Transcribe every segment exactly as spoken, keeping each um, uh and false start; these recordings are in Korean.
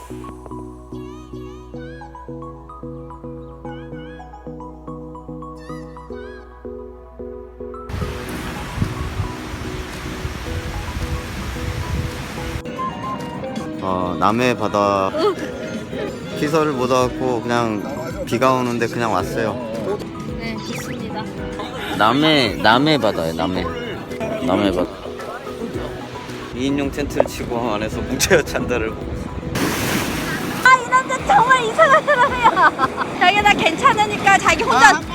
어, 남해 바다 시설을 못 와갖고 그냥 비가 오는데 그냥 왔어요. 네, 좋습니다. 남해 남해 바다에 남해 남해 바다. 이 인용 텐트를 치고 안에서 뭉쳐야 잔다를 보고 있어. 아, 이 남자 정말 이상한 사람이야. 자기 나 괜찮으니까 자기 혼자. 아,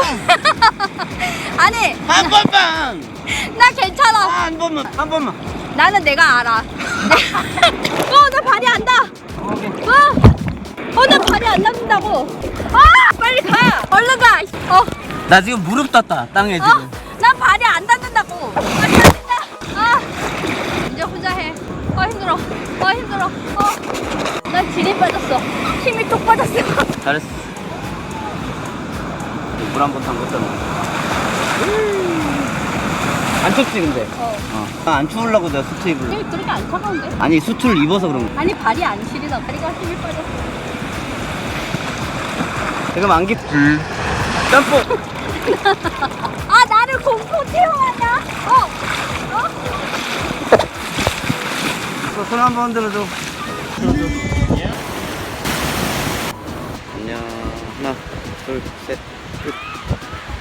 아니, 한 번만. 나 괜찮아. 아, 한 번만 한 번만. 나는 내가 알아. 어, 나 발이 안 닿아. 어, 어, 나 발이 안 닿는다고. 아, 빨리 가. 얼른 가. 어, 나 지금 무릎 떴다 땅에 지금. 어, 난 발이 안 닿는다고. 아, 닿는다. 아, 이제 혼자 해. 어, 힘들어. 어, 힘들어. 어, 난 질이 빠졌어. 힘이 뚝 빠졌어. 잘했어. 물 한 번 담궜잖아. 안 춥지 근데? 어. 어. 아, 안 추우려고 내가 수트 입을. 힘이 그렇게 안 차가운데? 아니 수트를 입어서 그런 거야. 아니, 발이 안 시리다. 다리가 힘이 빠졌어. 지금 안기. 음. 짬뽕. 아, 나를 공포 체험하냐? 어? 어? 손 한 번 들어줘. 들어줘. 안녕. 하나, 둘, 셋, 끝.